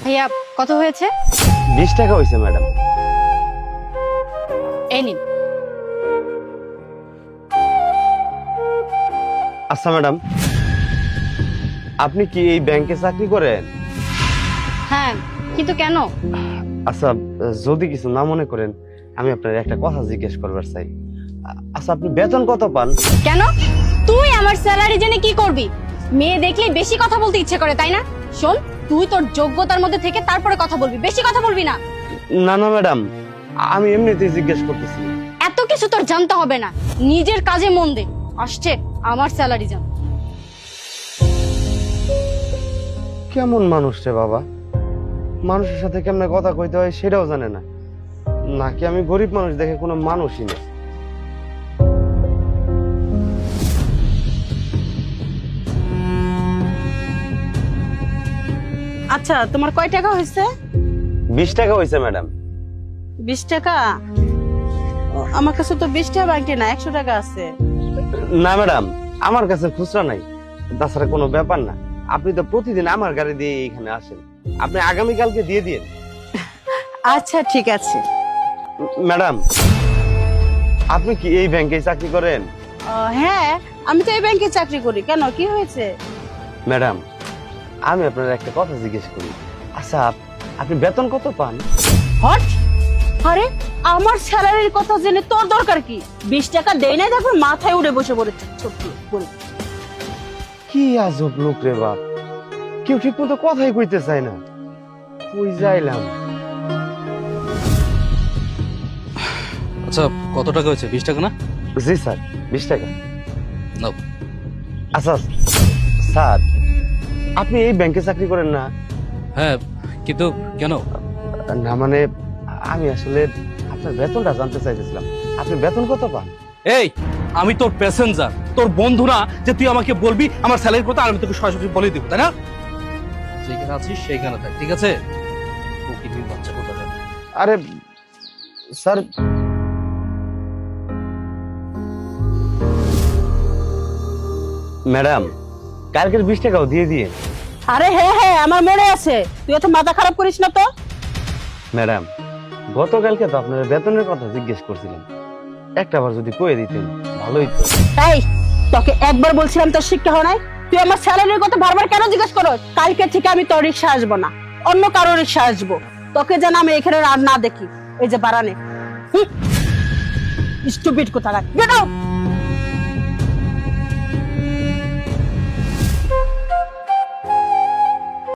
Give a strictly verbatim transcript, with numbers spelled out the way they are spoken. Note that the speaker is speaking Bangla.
ভাইয়া কত হয়েছে? বিশ টাকা হয়েছে ম্যাডাম। এই নিন। আচ্ছা ম্যাডাম, আপনি কি এই ব্যাংকে চাকরি করেন? হ্যাঁ, কিন্তু কেন? আচ্ছা, যদি কিছু না মনে করেন, আমি আপনার একটা কথা জিজ্ঞেস করবার চাই। আচ্ছা, আপনি বেতন কত পান? কেন? তুই আমার স্যালারি জেনে কি করবি? মেয়ে দেখলেই বেশি কথা বলতে ইচ্ছে করে, তাই না? শোন, তুই তোর যোগ্যতার মধ্যে থেকে তারপরে কথা বলবি, বেশি কথা বলবি না। না না ম্যাডাম, আমি এমনিতেই জিজ্ঞেস করতেছি। এত কিছু তোর জানতে হবে না, নিজের কাজে মন দে। আসছে আমার স্যালারি জান। কেমন মানুষ রে বাবা, মানুষের সাথে কেমনে কথা কইতে হয় সেটাও জানে না। নাকি আমি গরিব মানুষ দেখে কোনো মানুষই না। আচ্ছা, তোমার কয় টাকা হয়েছে? বিশ টাকা হয়েছে ম্যাডাম। বিশ টাকা? ও, আমার কাছে তো বিশ টাকা বাকি না, একশো টাকা আছে। না ম্যাডাম, আমার কাছে খুচরা নাই। তাছাড়া কোনো ব্যাপার না, আপনি তো প্রতিদিন আমার গাড়ি দিয়ে এখানে আসেন, আপনি আগামীকালকে দিয়ে দিন। আচ্ছা ঠিক আছে। ম্যাডাম, আপনি কি এই ব্যাংকে চাকরি করেন? ও, হ্যাঁ, আমি তো এই ব্যাংকে চাকরি করি। কেন, কি হয়েছে? ম্যাডাম, আমি আপনার একটা কথা জিজ্ঞেস করি। আচ্ছা, আপনি বেতন কত পান? হট! আরে, আমার স্যালারির কথা জেনে তোর দরকার কি? বিশ টাকা দেই নাই, তারপর মাথায় উড়ে বসে পড়েছে ছোট্ট করে। কি আজব লোক রে বাপ, কেউ ঠিক মতো কথাই কইতে চায় না। কই যাইলাম? আচ্ছা, কত টাকা হয়েছে? বিশ টাকা না? জি স্যার, বিশ টাকা। নাও। আচ্ছা স্যার, আপনি এই ব্যাংকে চাকরি করেন না? হ্যাঁ, কিন্তু কেন? না মানে, আমি আসলে আপনার বেতনটা জানতে চাইতেছিলাম। আপনি বেতন কত পান? এই, আমি তোর প্যাসেঞ্জার, তোর বন্ধু না যে তুই আমাকে বলবি আমার স্যালারির কথা, আর আমি তোকে সরাসরি বলে দিব, তাই না? যেখানে আছিস সেইখানে থাক, ঠিক আছে? ওকে তুই বাচ্চা কোথা যাবে? আরে স্যার, ম্যাডাম, কালকের বিশ টাকাও দিয়ে দিয়ে। আরে হ্যাঁ হ্যাঁ, আমার মনে আছে। তুই এত মাথা খারাপ করিস না তো। ম্যাডাম, গতকালকে তো আপনার বেতনের কথা জিজ্ঞেস করছিলাম, একটা বার যদি কয়ে দিতেন ভালোই তো। এই, তোকে একবার বলছিলাম তোর শিক্ষা হয় নাই? তুই আমার স্যালারির কথা বারবার কেন জিজ্ঞেস করো? কালকে থেকে আমি তোর রিক্সা আসবো না, অন্য কারো রিক্সা আসবো। তোকে যেন আমি এখানে আর না দেখি। এই যে বারানে, স্টুপিড কোথাকার, গেট আউট।